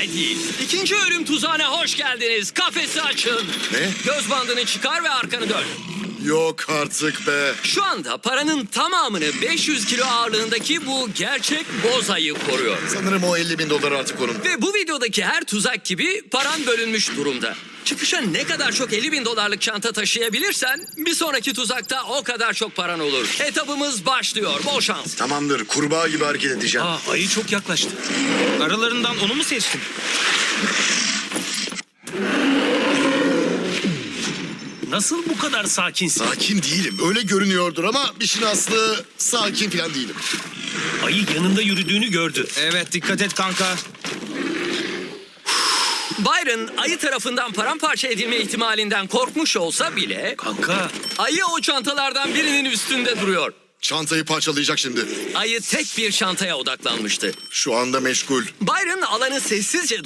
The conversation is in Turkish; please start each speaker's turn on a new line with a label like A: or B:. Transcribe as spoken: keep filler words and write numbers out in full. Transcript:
A: kolay değil. İkinci ölüm tuzağına hoş geldiniz. Kafesi açın.
B: Ne?
A: Göz bandını çıkar ve arkanı dön.
B: Yok artık be.
A: Şu anda paranın tamamını beş yüz kilo ağırlığındaki bu gerçek boz ayı koruyor.
B: Sanırım o elli bin dolar artık onun.
A: Ve bu videodaki her tuzak gibi paran bölünmüş durumda. Çıkışa ne kadar çok elli bin dolarlık çanta taşıyabilirsen bir sonraki tuzakta o kadar çok paran olur. Etabımız başlıyor. Bol şans.
B: Tamamdır, kurbağa gibi hareket edeceğim.
C: Aa, ayı çok yaklaştı. Aralarından onu mu seçtin?
D: Nasıl bu kadar sakinsin?
B: Sakin değilim. Öyle görünüyordur ama işin aslı sakin falan değilim.
D: Ayı yanında yürüdüğünü gördü.
C: Evet, dikkat et kanka.
A: Byron ayı tarafından paramparça edilme ihtimalinden korkmuş olsa bile
D: Kanka,
A: ayı o çantalardan birinin üstünde duruyor.
B: Çantayı parçalayacak şimdi.
A: Ayı tek bir çantaya odaklanmıştı.
B: Şu anda meşgul.
A: Byron alanı sessizce